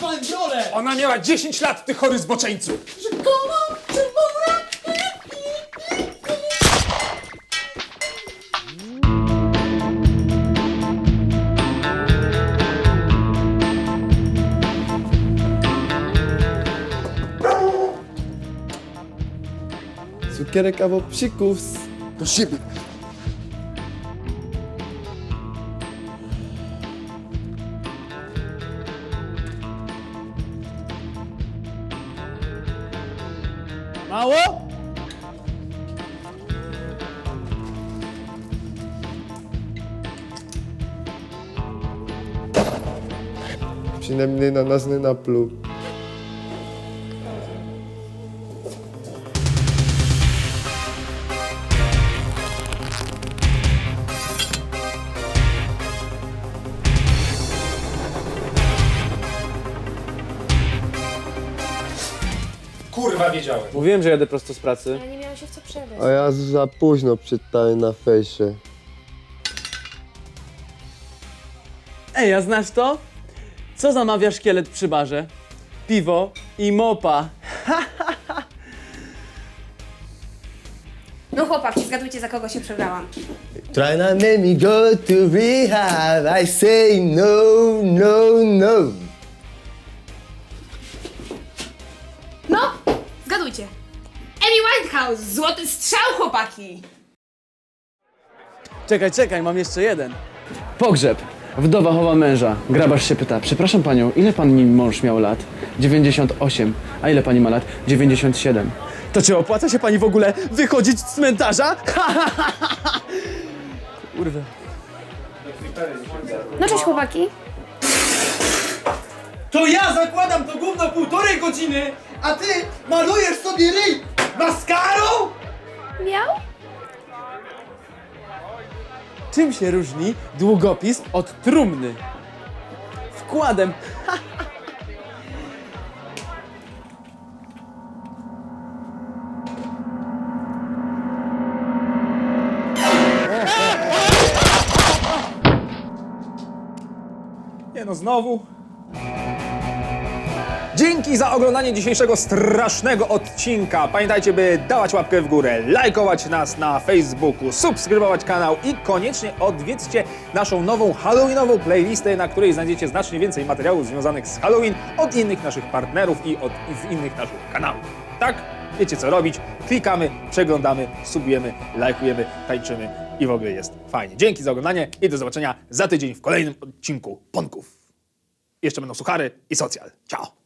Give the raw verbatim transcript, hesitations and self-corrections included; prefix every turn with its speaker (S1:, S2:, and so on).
S1: panem w rolę!
S2: Ona miała dziesięć lat, ty chory zboczeńcu!
S1: Rzekomo czerwona!
S3: Cukierek albo psikus. Do siebie.
S1: Mało?
S3: Przynajmniej na nas nie napluł.
S2: Kurwa, wiedziałem.
S4: Mówiłem, że jadę prosto z pracy.
S5: Ja nie miałam się w co przebrać.
S3: A ja za późno czytałem na fejsie.
S1: Ej, a znasz to? Co zamawia szkielet przy barze? Piwo i mopa.
S5: No chłopaki, zgadujcie, za kogo się przebrałam.
S3: Try not make me go to rehab. I say no, no, no.
S5: No, zgadujcie. Amy Winehouse, złoty strzał, chłopaki!
S1: Czekaj, czekaj, mam jeszcze jeden. Pogrzeb. Wdowa chowa męża. Grabarz się pyta, przepraszam panią, ile pani mąż miał lat? dziewięćdziesiąt osiem. A ile pani ma lat? dziewięćdziesiąt siedem. To czy opłaca się pani w ogóle wychodzić z cmentarza? Kurwa.
S5: No cześć, chłopaki.
S6: To ja zakładam to gówno półtorej godziny, a ty malujesz sobie ryj maskarą?
S5: Miał?
S1: Czym się różni długopis od trumny? Wkładem.
S2: Nie no, znowu. Dzięki za oglądanie dzisiejszego strasznego odcinka. Pamiętajcie, by dawać łapkę w górę, lajkować nas na Facebooku, subskrybować kanał i koniecznie odwiedźcie naszą nową halloweenową playlistę, na której znajdziecie znacznie więcej materiałów związanych z Halloween od innych naszych partnerów i od i z innych naszych kanałów. Tak? Wiecie co robić. Klikamy, przeglądamy, subujemy, lajkujemy, tańczymy i w ogóle jest fajnie. Dzięki za oglądanie i do zobaczenia za tydzień w kolejnym odcinku Ponków. Jeszcze będą suchary i socjal. Ciao!